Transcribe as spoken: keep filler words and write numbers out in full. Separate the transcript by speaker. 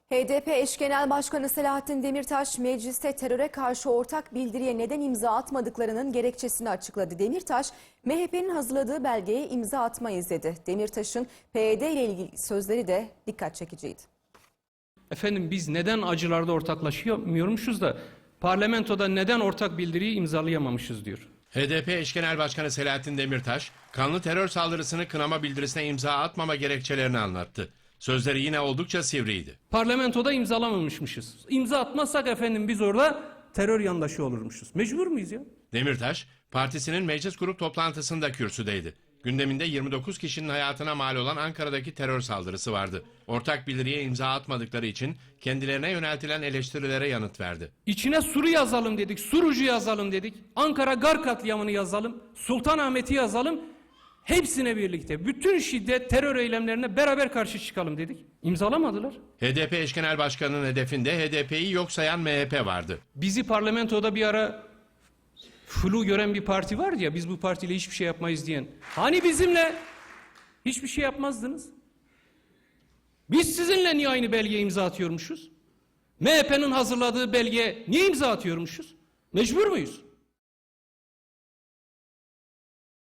Speaker 1: H D P eş genel başkanı Selahattin Demirtaş, mecliste teröre karşı ortak bildiriye neden imza atmadıklarının gerekçesini açıkladı. Demirtaş, M H P'nin hazırladığı belgeye imza atmayız dedi. Demirtaş'ın P Y D ile ilgili sözleri de dikkat çekiciydi.
Speaker 2: Efendim biz neden acılarda ortaklaşamıyormuşuz da parlamentoda neden ortak bildiriyi imzalayamamışız diyor.
Speaker 3: H D P eş genel başkanı Selahattin Demirtaş, kanlı terör saldırısını kınama bildirisine imza atmama gerekçelerini anlattı. Sözleri yine oldukça sivriydi.
Speaker 2: Parlamentoda imzalamamışmışız. İmza atmazsak efendim biz orada terör yandaşı olurmuşuz. Mecbur muyuz ya?
Speaker 3: Demirtaş, partisinin meclis grup toplantısında kürsüdeydi. Gündeminde yirmi dokuz kişinin hayatına mal olan Ankara'daki terör saldırısı vardı. Ortak bildiriye imza atmadıkları için kendilerine yöneltilen eleştirilere yanıt verdi.
Speaker 2: İçine Sur'u yazalım dedik, Surucu yazalım dedik, Ankara Gar katliamını yazalım, Sultanahmet'i yazalım. Hepsine birlikte bütün şiddet terör eylemlerine beraber karşı çıkalım dedik. İmzalamadılar.
Speaker 3: H D P eş genel başkanının hedefinde H D P'yi yok sayan M H P vardı.
Speaker 2: Bizi parlamentoda bir ara flu gören bir parti vardı ya, biz bu partiyle hiçbir şey yapmayız diyen. Hani bizimle hiçbir şey yapmazdınız? Biz sizinle niye aynı belgeye imza atıyormuşuz? M H P'nin hazırladığı belgeye niye imza atıyormuşuz? Mecbur muyuz?